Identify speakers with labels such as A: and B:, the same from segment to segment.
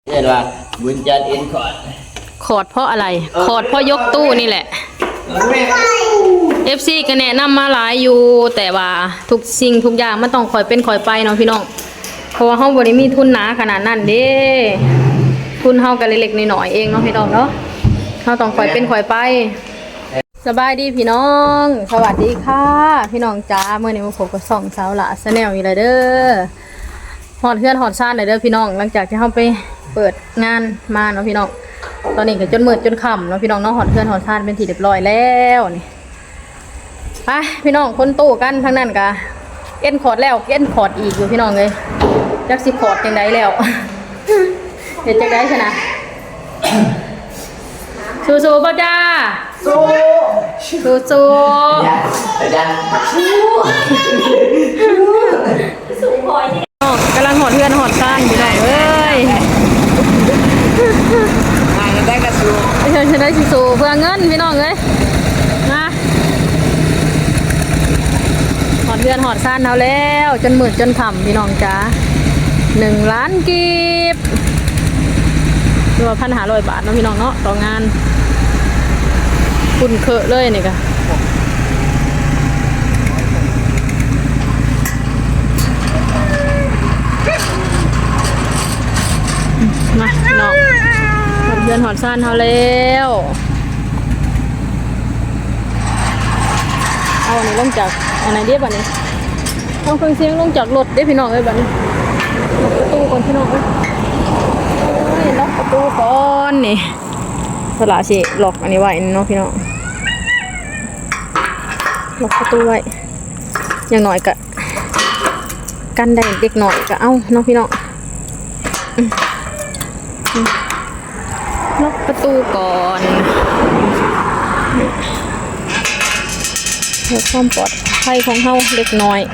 A: เรียกว่าบุญจันทร์เอ็นคอร์ด
B: คอร์ดเพราะอะไรคอร์ดเพราะยกตู้นี่แหละ FC ก็แนะนำมาหลายอยู่แต่ว่าทุกสิ่งทุกอย่างมันต้องคอยเป็นคอยไปเนาะพี่น้องเพราะว่าเฮาบ่ได้มีทุนหนาขนาดนั้นเด้ทุนเฮาก็เล็กๆน้อยๆเองเนาะพี่น้องเนาะเฮาต้องคอยเป็นคอยไปสบายดีพี่น้องสวัสดีค่ะพี่น้องจ้าเมื่อนี้มาพบกับส่องสาวละชาแนลอีกแล้วเด้อฮอดเฮือนฮอดซ่านเลยเด้อพี่น้องหลังจากที่เฮาไปเปิดงานมาเนาะพี่น้องตอนนี้ก็จนมืดจนค่ำเนาะพี่น้องเนาะฮอดเฮือนฮอดซ่านเป็นที่เรียบร้อยแล้วนี่ไปพี่น้องคนตู้กันทั้งนั้นก็เอ็นคอร์ดแล้วเอ็นคอร์ดอีกอยู่พี่น้องเลยจักสิคอร์ดจังไดแล้ว เฮ็ดจังได๋ซะนะสู้ๆป่ะจ้าสู้กำลังหอดเพื่อนหอดซ่านอยู่หน่อยเอ้ย
A: ได้กระสู
B: ไม่ใช่ฉันได้สู้เพื่อเงินพี่น้องเอ้ยนะหอดเพื่อนหอดซ่านเอาแล้วจนมืดจนค่ำพี่น้องจ้า1 ล้านกีบรวม1,500 บาทเนาะพี่น้องเนาะต่องานคุณเคอะเลยนี่กะมาพี่น้องหอดเดือนหอดซ่านเขาแล้วเอาอันนี้ลงจากอันไหนเดียบอันนี้เอาเครื่องเสียงลงจากรถได้พี่น้องเลยแบบนี้ประตูก่อนพี่น้องเลยล็อกประตูก่อนนี่สละสิล็อกอันนี้ไว้เนาะพี่น้องล็อกประตูไว้อย่างหน่อยกะกันได้เด็กหน่อยกะเอาเนาะพี่น้องล็อกประตูก่อนเพื่อความปลอดภัยของเฮาเล็กน้อย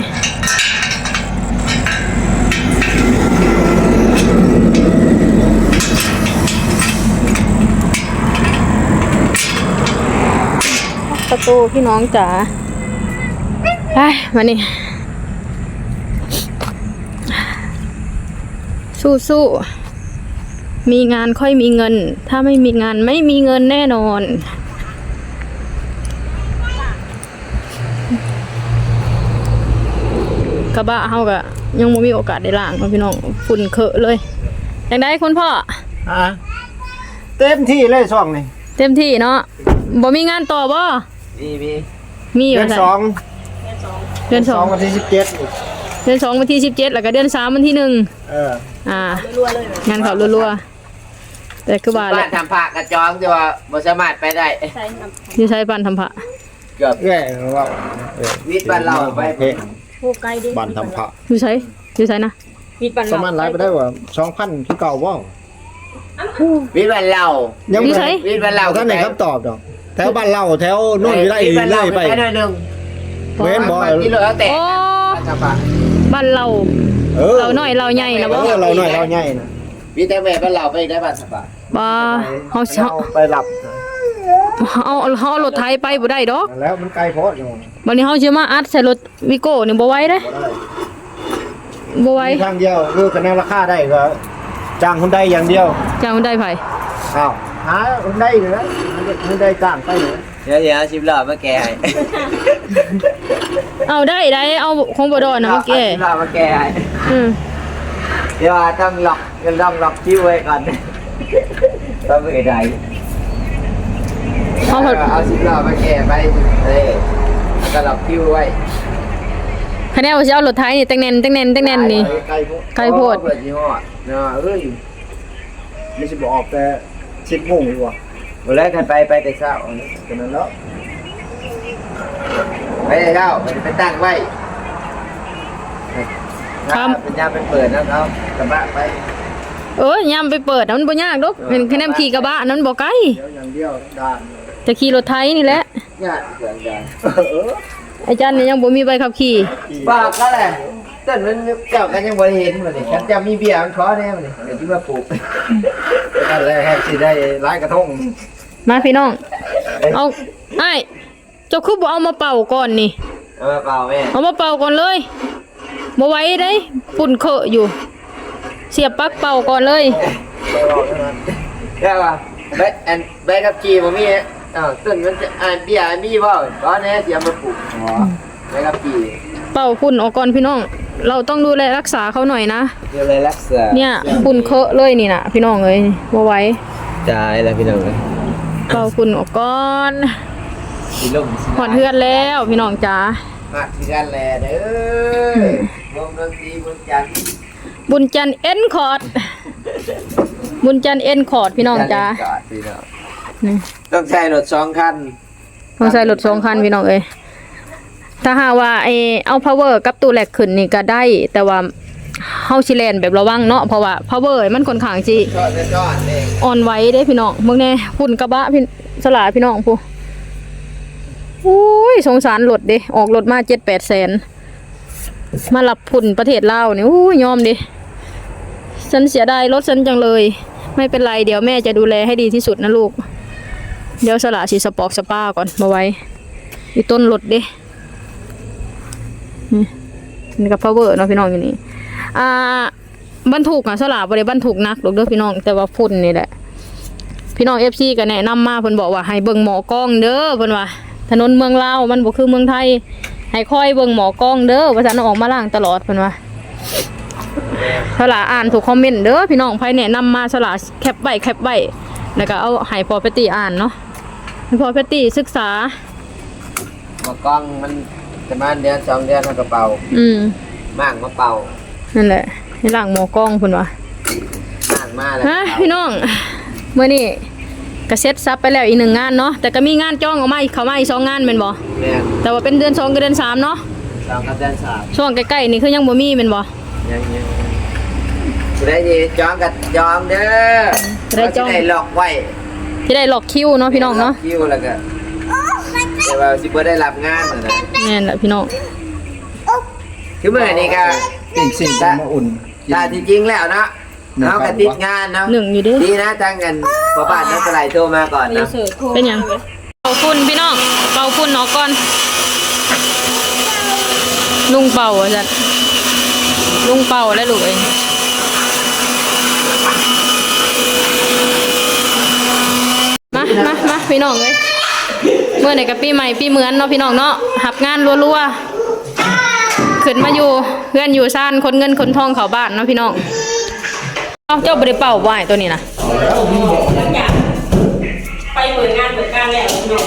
B: ประตูพี่น้องจ๋าไปมานี่สู้ๆมีงานค่อยมีเงินถ้าไม่มีงานไม่มีเงินแน่นอนกระบะเฮาก็ยังไม่มีโอกาสได้ล้างพี่น้องฝุ่นเคอะเลยอย่างไรคุณพ่อ
C: เต็มที่เลยช่วงนี้
B: เต็มที่เนาะบ่มีงานต่อบ่มี
C: เดือน 2
B: เดือน 2
C: วันที่17
B: เดือน 2วันที่17แล้วก็เดือน 3วันที่1งานเขารัวๆแต่คือว่า
A: บ้านทำผ้ากระจองแต่ว่าบ่สามารถไปได้
B: อยู่ใช้บ้านทำผ้า
A: เกือบ
C: แย่ว่า
A: วิทย์บ้านเราไป
C: โอ้ไกลดิบ้านทำผ้า
B: อยู่ใช้นะ
C: วิทย์บ้านเราสามารถไล่ไปได้ว่า 2,000 คือเก่าบ่
A: วิทย์บ้านเรา
C: ยัง
B: อยู่ใช้
A: วิทย์บ้านเรา
C: ท่านไหนคำตอบดอกแถวบ้านเราแถวโน่นอยู่ได้เลยไป
A: หน่อยนึง
C: เว้นบ่
A: ที่เหลือแต่
B: บ้านเราเราน้อยเราใหญ่นะบ่
C: เราน้อยเราใหญ่นะ
A: วิทย์แต่แม่บ้านเราไปได้บ้านสบาย
B: บ่เฮา
C: ไปหลับ
B: เอารถไถไปบ่ได้ดอก
C: แล้วมันไกลโพดอยู่
B: บัดนี้เฮาสิมาอัดใส่รถวิโก้นี่บ่ไหวเด้บ่ไหว
C: ทางเดียวคือคะแนนราคาได้ก็จ้างคนใดอย่างเดียว
B: จ้างคนใดไผ
C: อ้าวหาคนใดเหรอคนใดจ้างไปเหรอ
A: เดี๋ยว10 รอบมาแก้ให้
B: เอาได้เอาของบ่ดอนนะมาแก้
A: 10 รอบมาแก้ให้เดี๋ยวต้องล็อกคิวไว้ก่อนต้องไปได้เอา10 รอบมาแก้ไปแล้วก็ล็อกคิวไว้
B: คะแนนว่าสิเอารถไถนี่แต่งแน่นนี่ไกลโพด
A: เปิดยี่ห้อเนาะ
C: ไม่สิบ่ออกแต่10 โมงดีกว่า
A: วันแรกกันไปแต่เช้า
C: กันนั้นแล้ว
A: ไปแต่เช้าไปตั้งไว้เป็นยามไปเปิดนะครับกระบะไป
B: ยามไปเปิดมันบ่ยากดอกเป็นคะแนนขี่กระบะนั้นบ่ไกล
C: อย่างเดียวด้าน
B: จะขี่รถไถนี่แหละ
A: ยากเกินกัน
B: ไอ้จันนี่ยังบ่มีใบขับขี่
A: บ้าก็แหละต้นมันเจ้ากันยังบ่เห็นมาดิฉันจะมีเบียร์มันขอแน่มาดิเดี๋ยวที่มาปลูก
C: นั่นแหละให้สิได้หลายกระทง
B: มาพี่น้องเอาไอ้เจ้าคือบ่เอามาเป่าก่อนนี่
A: เอามาเป่าแม่
B: เอามาเป่าก่อนเลยบ่ไหวได้ฝุ่นเคอะอยู่เสียบปลั๊กเป่าก่อนเลย
A: ใช่ป่ะใบกับจีผมมีต้นมันจะเบี้ยมีบ่ตอนนี้เสียมาปลูกใบกับจี
B: เป่าฝุ่นออกก่อนพี่น้อง เราต้องดูแลรักษาเขาหน่อยนะ
A: เดี๋ยวเลยรักษา
B: เนี่ยฝุ่นเคอะเลยนี่นะพี่น้องเอ้ยบ่ไหว้
A: จ่ายแล้วพี่น้องเลย
B: เป่าฝุ่นออกก่อน
A: สีลม
B: หอดเฮือนแล้วพี่น้องจ๋า
A: มาที่กันแลเด้อวงดนตรีบนจันทร์
B: บุญจันทร์เอ็นคอร์ดบุญจันทร์เอ็นคอร์ดพี่น้องจ๋า
A: พี่น้อง
B: นี่
A: ต้องใช้รถ2 คัน
B: ต้องใส่รถ2 คันพี่น้องเอ้ยถ้าหากว่าเอา power กับตู้แหลกขึ้นนี่ก็ได้ แต่ว่าเฮาสิแล่นแบบระวังเนาะเพราะว่า power มันค่อนข้างสิ
A: จอดเอง
B: อ่อนไหวเด้พี่น้องเบิ่งแน่ฝุ่นกระบะพี่สลาพี่น้องผู้โอ้ยสงสารรถเด้ออกรถมา 7-8 แสนมารับฝุ่นประเทศลาวนี่โอ้ยยอมดิฉันเสียดายรถฉันจังเลย ไม่เป็นไรเดี๋ยวแม่จะดูแลให้ดีที่สุดนะลูก เดี๋ยวสละสิสปอกสปาก่อนมาไว้อีต้นรถเด้นี่กับ power เนาะพี่น้องอยู่นี่บรรทุกสละบ่ได้บรรทุกหนักหรอกเด้อพี่น้องแต่ว่าฝุ่นนี่แหละพี่น้อง FC ก็แนะนำมาเพิ่นบอกว่าให้เบิ่งหมอกล้องเด้อเพิ่นว่าถนนเมืองลาวมันบ่คือเมืองไทยให้คอยเบิ่งหมอกล้องเด้อว่าซั่นเอาออกมาล้างตลอดเพิ่นว่าสละอ่านทุกคอมเมนต์เด้อพี่น้องไผแนะนำมาสละแคปไว้แล้วก็เอาให้พอเปตตี้อ่านเนาะให้พอเปตตี้ศึกษา
A: มากล้องมันประมาณเดือน2 เดือนมันก็เป่า มากมาเป่า
B: นั่นแหละให้ล้างหมอกล้องเพิ่นว่า
A: มากมาแล้ว
B: ฮะพี่น้องมื้อนี้ก็เสร็จซับไปแล้วอีก1 งานเนาะแต่ก็มีงานจ้องออกมาอีกเข้ามาอีก2 งานแม่นบ่
A: แม่น
B: แต่ว่าเป็นเดือน2กับเดือน3เนาะ
A: 2 กับเดือน3
B: ช่วงใกล้ๆนี่คือยังบ่มีแม่นบ่
A: ยังได้ยินจองกับจองเด้อ
B: ได้จอง
A: ได้ล็อกไว้
B: สิได้ล็อกคิวเนาะพี่น้องเนาะ
A: คิวแล้วก็แต่ว่าสิบ่ได้รับงานนะ
B: แม่นล่ะพี่น้อง
A: คือมื้อนี้ก็
C: สิ่งมาอุ่น
A: ถ้าจริงๆแล้วเนาะเฮาก็ติดงานเนาะ
B: หนึ่งอยู่เด้
A: ดีนะจังกันพ่อบ้านนักสไลด์โทรมาก่อนนะ
B: เป็นหยังเป่าฝุ่นพี่น้องเป่าฝุ่นออกก่อนลุงเป่าว่าซั่นลุงเป่าแล้วลูกเองมาพี่น้องเอ้ยเมื่อไหร่กับปีใหม่ปีเหมือนเนาะพี่น้องเนาะหับงานรัวๆขึ้นมาอยู่เพื่อนอยู่ซ่านคนเงินคนทองเข้าบ้านเนาะพี่น้องเจ้าบ่ได้เป่าบ่ายตัวนี้นะ
D: ไปเหมือนงานแล้ว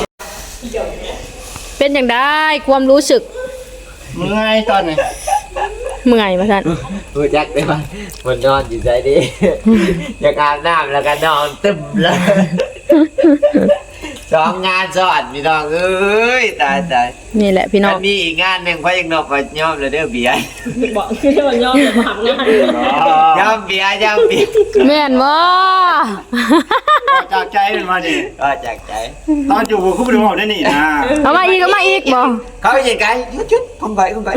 B: เป็นอย่างได้ความรู้สึก
C: เมื่อยตอนนี้
B: เมื่อยมาท่าน
A: รู้จักได้ป่ะมันนอนอยู่ใจดี อยากอาบน้ำแล้วก็นอนตึมเลย2 งานซ้อนพี่น้องเอ้ยตาย
B: นี่แหละพี่น้อง
A: มันมีอีกงานหนึ่งเพราะยังนอกก็ยอมเลยเด้อเบียร์
D: บอกคือเรื่องย่อมแบบหักงาน
A: ยอมเบียร์
B: แม่นบ่
C: จากใจเป็นมาดิ
A: ก็จากใจ
C: ตอนอยู่คู่ดูได้นี่นะ
B: เอามาอีกบ่
A: เขาอย่างไงชุดคงไป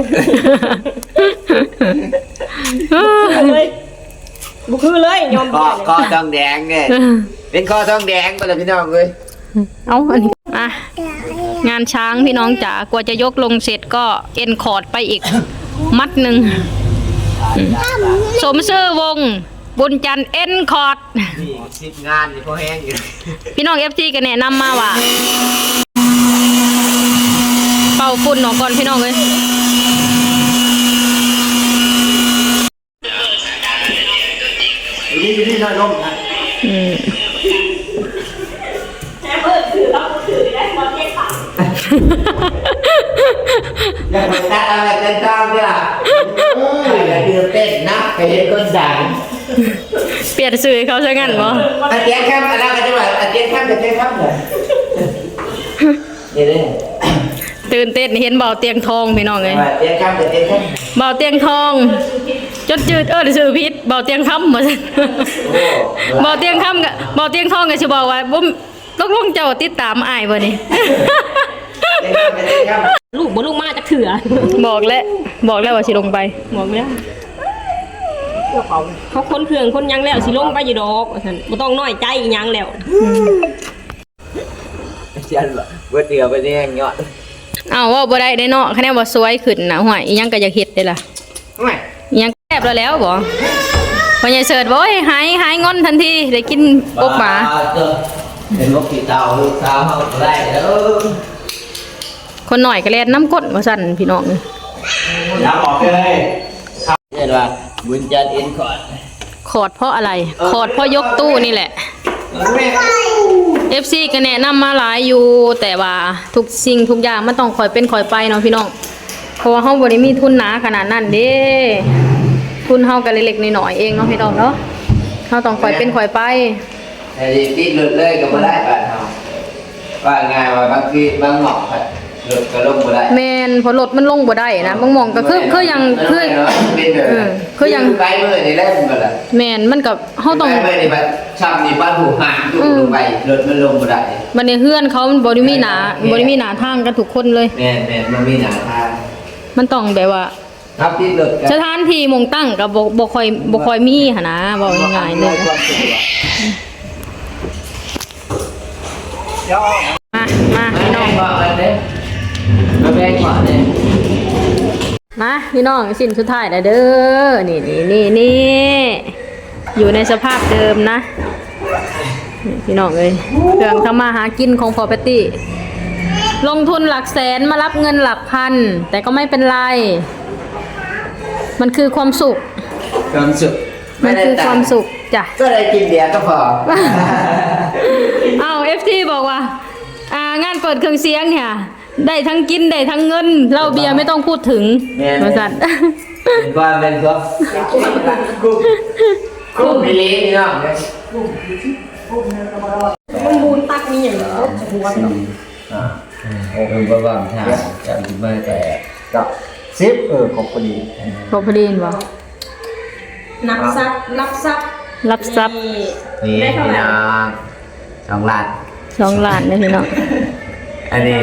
D: เลยบุคือเลยยอม
A: คอทองแดงเนี่ยเป็นคอทองแดงไปเลยพี่น้องเลย
B: เอาอันนี้งานช้างพี่น้องจ๋ากว่าจะยกลงเสร็จก็เอ็นคอร์ดไปอีก มัดหนึ่งสมชื่อวงบุญจันทร์เอ็นคอร์ด
A: นี่10 งานนี่พอแห้งอยู่
B: พี่น้อง FT ก็แนะนำมาว่า เป่าฝุ่นออกก่อนพี่น้องเลย
C: อยู่นี่น้อยลงนะ
D: แค่เปิดถือแล้วถือได้หมดเก็บผัก
A: อยากไปตัดอะไรเต้นตามเนี่ยอยากดื่มเต้นนะไปเห็นคนดัง
B: เปลี่ยนสื่อให้เขาซะงั้นบ่
A: อาเตียงข้ามอะไรกันจังหวะอาเตียงข้ามเลยนี่เลย
B: ตื่นเต้นเห็นเบาเตียงทองพี่น้องเลย
A: เตียงข้าม
B: เบาเตียงทองจดจืดสื่อพิษเบาเตียงค่ำมาซั่นเบาเตียงค่ำกับเบาเตียงทองก็สิบอกว่าบ่ต้องลงเจ้าติดตามอ้ายบ่นี่
D: ลูกบ่ลูกมาจะเถื่อ
B: บอกแล้วว่าสิลงไป
D: บอกแล้วเขาคนเครื่องคนยังแล้วสิลงไปอยู่ดอกว่าซั่นบ่ต้องน้อยใจอีหยังแล้ว
A: เชียนเบิดเดือไปแดงยอด
B: อ้าวว่าบ่ได้เนาะคะแนนว่าสวยขึ้นนะห่วยอีหยังก็อยากเฮ็ดได้ล่ะ
A: ไม่
B: อีหยังแซ่บแล้วบ่พอพ่อใหญ่เสิร์ชบ่หายงอนทันทีได้กินอบหมา
A: เป็นนกตีเต่าลูกสาวเขาก็ได้เด้อ
B: คนหน่อยก็แล่นน้ำก้นว่าสั่นพี่น้อง
C: น้ำออกเลย
A: เรียกว่าบุญจันทร์เอ็นคอร์ด
B: ขอดเพราะอะไรขอดเพราะยกตู้นี่แหละ FC ก็แนะนำมาหลายอยู่แต่ว่าทุกสิ่งทุกอย่างมันต้องคอยเป็นคอยไปเนาะพี่น้องเพราะว่าเฮาบ่ได้มีทุนหนาขนาดนั้นเด้ทุนเฮาก็เล็กๆน้อยๆเองเนาะพี่น้องเนาะเฮาต้องคอยเป็นคอยไป
A: แต่ติดหลุดเลยก็บ่ได้บ้านเฮาว่าง่ายว่าบางทีบางหมอกหลุดก็ลงบ่ได้
B: แม่นพอรถมันลงบ่ได้นะบางหม่องก็คือยังคือ
A: เป็นแบบ
B: คือยัง
A: ไปมื้อนี่แหละมันก็ล่ะ
B: แม่นมันก็เฮาต้อง
A: ไปมื้อนี่บัดช้ำนี่บ้านหูห่างอยู่ลงไปรถมันลงบ่ได้
B: บัดนี้เฮือนเขามันบ่ได้มีหนาทางกันทุกคนเลย
A: แม่นมันมีหน้าทาง
B: มันต้องแบบว่า
A: ครับติดหลุดก็
B: สถานที่หมองตั้งก็บ่ค่อยมีหั่นนะเว้าง่ายๆเลย
C: เดี๋ยว
B: มาพี่น้อง
A: บอกกันเด้มาแบ่งก่อนเด้
B: มาพี่น้องสิ้นสุดท้ายแล้วเด้อนี่อยู่ในสภาพเดิมนะนี่พี่น้องเอ้ยเครื่องทำมาหากินของพอปตี้ลงทุนหลักแสนมารับเงินหลักพันแต่ก็ไม่เป็นไรมันคือความสุข
A: ความสุข
B: มันคือความสุขจ้ะ
A: ก็ได้กินเบียร์ก็พอ
B: เอาFT บอกว่างานเปิดเครื่องเสียงเนี่ยได้ทั้งกินได้ทั้งเงินเหล้าเบียร์ไม่ต้องพูดถึงบริษัท
A: เป็นความเป็นครับกุ้งพิลีนี่เนาะ
D: มันบูนตักมีอย่างนี้หัว
A: โอ้เป็นประวัติทางจำไม่แต่
C: กับของคนนี้
B: พอพอดีนบ่
D: นับซับรับซับ
B: รับทรัพย์
A: นี่พี่น้อง2 ล้าน
B: 2 ล้านเลยพี่น้อง
A: อันนี้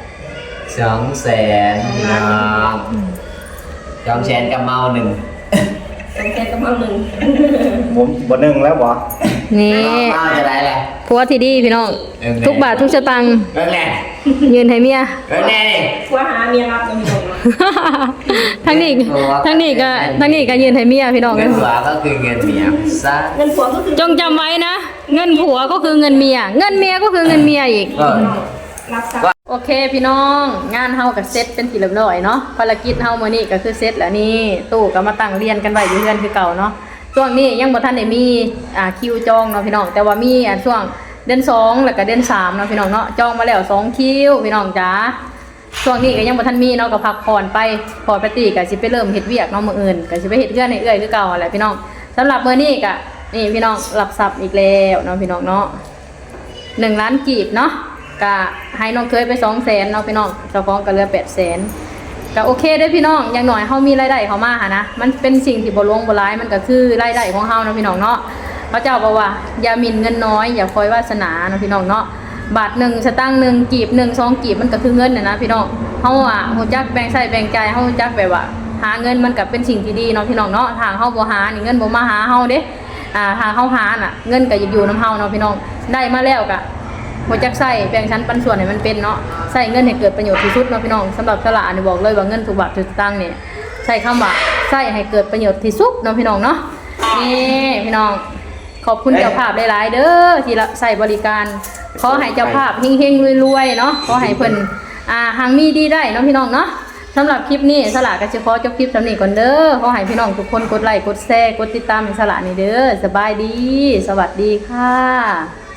A: 200,000พี่น้อง200,000กับเมา1
D: ต้องแค่กำลังหนึ่ง
C: ผมบ่นึ่งแล้วบ่
B: นี่
A: เมาจะได้แหละ
B: ผัวที่ดีพี่น้องทุกบาททุกสตังค์
A: เรื่องแรก
B: ยืนให้เมีย
A: เรื่องแรกนี่
D: ว่าหาเมียรับจะมีตรงนะ
B: ทั้งนี้ก็ยืนให้เมียพี่น้อง
A: เงินหัวก็คือเงินเมียซะ
D: เงินผัวก็คือ
B: จงจำไว้นะเงินผัวก็คือเงินเมียเงินเมียก็คือเงินเมียอีก
A: ก็
D: รับซับ
B: โอเคพี่น้องงานเฮากับเซตเป็นที่เรียบร้อยเนาะภารกิจเฮามื้อนี้ก็คือเซตแล้วนี่ตู้ก็มาตั้งเรียนกันไว้อยู่เรือนคือเก่าเนาะช่วงนี้ยังบ่ทันได้มีคิวจองเนาะพี่น้องแต่ว่ามีช่วงเดือน2แล้วก็เดือน3เนาะพี่น้องเนาะจองมาแล้ว2คิวพี่น้องจ๋าช่วงนี้ก็ยังบ่ทันมีเนาะก็พักผ่อนไปพอปกติก็สิไปเริ่มเฮ็ดเวียกเนาะมื้ออื่นก็สิไปเฮ็ดเรือนให้เอื้อยคือเก่าแหละพี่น้องสำหรับมื้อนี้ก็นี่พี่น้องรับทรัพย์อีกแล้วเนาะพี่น้องเนาะ1 ล้านกีบเนาะก็ให้น้องเคยไป200,000เนาะพี่น้องเจ้าของก็เหลือ800,000ก็โอเคเด้อพี่น้องอย่างน้อยเฮามีรายได้เข้ามาหานะมันเป็นสิ่งที่บ่หลวงบ่หลายมันก็คือรายได้ของเฮาเนาะพี่น้องเนาะพระเจ้าบอกว่าอย่าหมิ่นเงินน้อยอย่าคอยวาสนาเนาะพี่น้องเนาะบาท1สตางค์1กีบ1 2กีบมันก็คือเงินนะพี่น้องเฮาฮู้จักแบ่งใช้แบ่งจ่ายเฮาฮู้จักแบบว่าหาเงินมันก็เป็นสิ่งที่ดีเนาะพี่น้องเนาะทางเฮาบ่หานี่เงินบ่มาหาเฮาเด้ทางเฮาหาน่ะเงินก็อยู่นำเฮาเนาะพี่น้องได้มาแล้วก็บ่จักใช้แบ่งชั้นปันส่วนให้มันเป็นเนาะใช้เงินให้เกิดประโยชน์ที่สุดเนาะพี่น้องสำหรับสละนี่บอกเลยว่าเงินทุกบาททุกสตางค์เนี่ยใช้คำว่าใช้ให้เกิดประโยชน์ที่สุดเนาะพี่น้องเนาะนี่พี่น้องขอบคุณเจ้าภาพหลายๆเด้อที่ใส่บริการขอให้เจ้าภาพเฮงๆรวยๆเนาะขอให้เพิ่นหางมีดีได้เนาะพี่น้องเนาะสำหรับคลิปนี้สละก็สิขอจบคลิปสำนี้ก่อนเด้อขอให้พี่น้องทุกคนกดไลค์กดแชร์กดติดตามให้สละนี่เด้อสบายดีสวัสดีค่ะ